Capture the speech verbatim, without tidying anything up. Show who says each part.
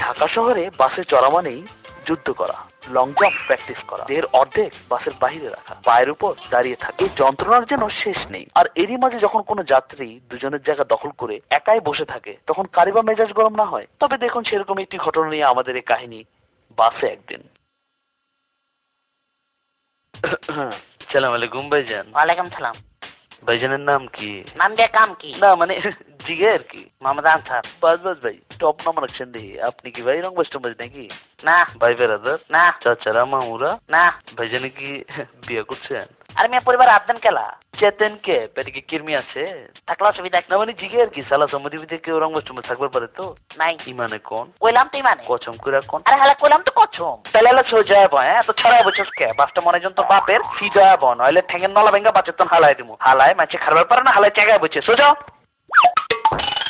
Speaker 1: ঢাকা শহরে বাসে চড়া মানেই যুদ্ধ করা, লং জাম্প প্র্যাকটিস করা, দেহের অর্ধেক বাসের বাইরে রাখা, পায়ের উপর দাঁড়িয়ে থাকে। এই যন্ত্রণার যেন শেষ নেই। আর এরই মাঝে যখন কোনো যাত্রী দুজনের জায়গা দখল করে একাই বসে থাকে, তখন কারি বা মেজাজ গরম না হয়? তবে দেখুন, সেরকম একটি ঘটনা নিয়ে আমাদের এই কাহিনী। বাসে একদিন। সালাম আলাইকুম ভাইজান।
Speaker 2: ওয়ালাইকুম সালাম।
Speaker 1: ভাইজানের নাম কি?
Speaker 2: নাম দিয়ে কাম কি?
Speaker 1: না মানে জিগে আর কি।
Speaker 2: মোহাম্মদ আনসার।
Speaker 1: বাস বাস ভাই, টপ নাম রাখছেন দেখি। আপনি কি ভাই রংবাজ টংবাজ নাকি?
Speaker 2: না।
Speaker 1: ভাই বেরাদার?
Speaker 2: না।
Speaker 1: চাচারা মামুরা?
Speaker 2: না।
Speaker 1: ভাইজানে কি বিয়ে করছেন?
Speaker 2: আর মেয়ে পরিবার আবদান কেলা?
Speaker 1: চেতেন কে? পেটে কি কিরমি আছে?
Speaker 2: থাকলে অসুবিধা
Speaker 1: না মানে জিগে আর কি। সালা সম্মতি বিতে কেউ রংবাজ টংবাজ থাকবার পারে তো?
Speaker 2: নাই।
Speaker 1: ইমানে কোন?
Speaker 2: কইলাম তুই মানে?
Speaker 1: কচম করে কোন?
Speaker 2: আরে হালা কইলাম তো কছম।
Speaker 1: তাহলে হলে সোজা বয়, হ্যাঁ তো ছড়াই বছর কে? বাসটা মনে জন তোর বাপের সিজা বন, নইলে ঠেঙ্গের নলা ভেঙ্গা বাচ্চার তন হালাই দিমু। হালাই মাছে খারবার পারে না, হালাই জায়গায় বসে সোজা।